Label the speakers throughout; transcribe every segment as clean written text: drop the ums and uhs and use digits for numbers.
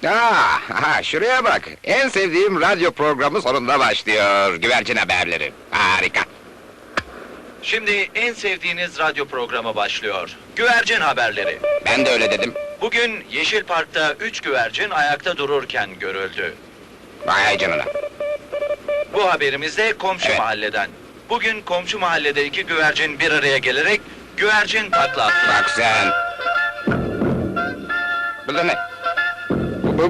Speaker 1: Aha, şuraya bak. En sevdiğim radyo programı sonunda başlıyor. Güvercin haberleri. Harika.
Speaker 2: Şimdi en sevdiğiniz radyo programı başlıyor. Güvercin haberleri.
Speaker 1: Ben de öyle dedim.
Speaker 2: Bugün Yeşil Park'ta 3 güvercin ayakta dururken görüldü.
Speaker 1: Vay canına.
Speaker 2: Bu haberimiz de komşu
Speaker 1: Evet.
Speaker 2: mahalleden. Bugün komşu mahallede 2 güvercin bir araya gelerek güvercin takla attılar.
Speaker 1: Bak sen. Bu da ne? Bu.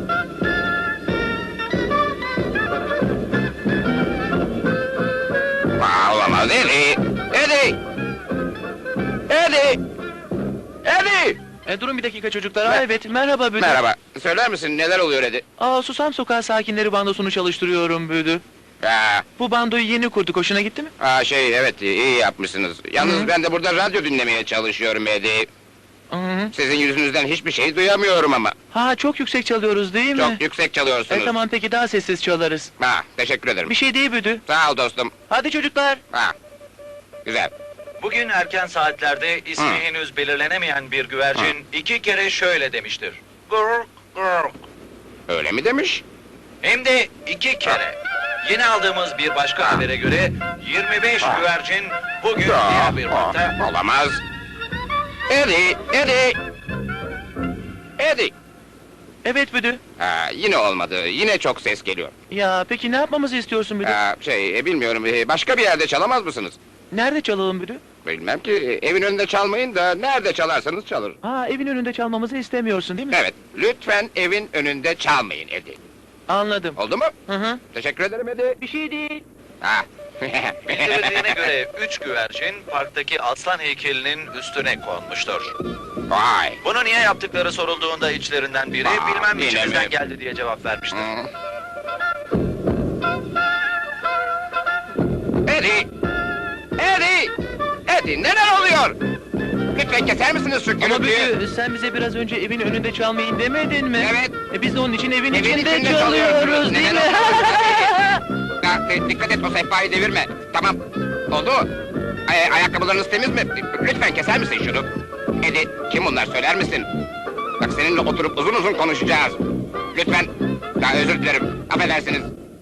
Speaker 1: Olamaz. Eddie! Eddie! Eddie! Eddie!
Speaker 3: Durun bir dakika çocuklar. Aa, evet, merhaba Büdü.
Speaker 1: Merhaba. Söyler misin neler oluyor Eddie?
Speaker 3: Susam Sokağı Sakinleri bandosunu çalıştırıyorum Büdü. Bu bandoyu yeni kurduk, hoşuna gitti mi?
Speaker 1: Evet, iyi yapmışsınız. Yalnız
Speaker 3: Hı.
Speaker 1: ben de burada radyo dinlemeye çalışıyorum Eddie.
Speaker 3: Hı hı.
Speaker 1: Sizin yüzünüzden hiçbir şey duyamıyorum ama.
Speaker 3: Çok yüksek çalıyoruz değil mi?
Speaker 1: Çok yüksek çalıyorsunuz.
Speaker 3: Tamam, peki daha sessiz çalarız.
Speaker 1: Teşekkür ederim.
Speaker 3: Bir şey değil Büdü.
Speaker 1: Sağ ol dostum.
Speaker 3: Hadi çocuklar.
Speaker 1: Güzel.
Speaker 2: Bugün erken saatlerde ismi
Speaker 1: Hı.
Speaker 2: henüz belirlenemeyen bir güvercin 2 kere şöyle demiştir. Gurk gurk.
Speaker 1: Öyle mi demiş?
Speaker 2: Hem de 2 kere. Yeni aldığımız bir başka habere göre 25 güvercin bugün diğer bir parkta.
Speaker 1: Olamaz. Eddie!
Speaker 3: Evet Büdü.
Speaker 1: Yine olmadı. Yine çok ses geliyor.
Speaker 3: Ya peki ne yapmamızı istiyorsun Büdü?
Speaker 1: Bilmiyorum. Başka bir yerde çalamaz mısınız?
Speaker 3: Nerede çalalım Büdü?
Speaker 1: Bilmem ki. Evin önünde çalmayın da nerede çalarsanız çalır.
Speaker 3: Evin önünde çalmamızı istemiyorsun değil mi?
Speaker 1: Evet. Lütfen evin önünde çalmayın Eddie.
Speaker 3: Anladım.
Speaker 1: Oldu mu?
Speaker 3: Hı.
Speaker 1: Teşekkür ederim Eddie.
Speaker 3: Bir şey değil.
Speaker 2: Bildirildiğine göre 3 güvercin parktaki aslan heykelinin üstüne konmuştur.
Speaker 1: Vay.
Speaker 2: Bunu niye yaptıkları sorulduğunda içlerinden biri bilmem
Speaker 1: yine
Speaker 2: içimizden
Speaker 1: mi?
Speaker 2: geldi diye cevap vermiştir.
Speaker 1: Eddie! Eddie, neler oluyor? Lütfen keser misiniz şu
Speaker 3: Ama
Speaker 1: gürültüyü?
Speaker 3: Büdü, sen bize biraz önce evin önünde çalmayın demedin mi?
Speaker 1: Evet.
Speaker 3: Biz de onun için evin
Speaker 1: Evin
Speaker 3: içinde
Speaker 1: içinde
Speaker 3: çalıyoruz değil mi?
Speaker 1: Dikkat et, o sehpayı devirme. Tamam. Oldu mu? Ayakkabılarınız temiz mi? Lütfen keser misin şunu? Eddie, kim bunlar söyler misin? Bak seninle oturup uzun uzun konuşacağız. Lütfen. Özür dilerim. Affedersiniz.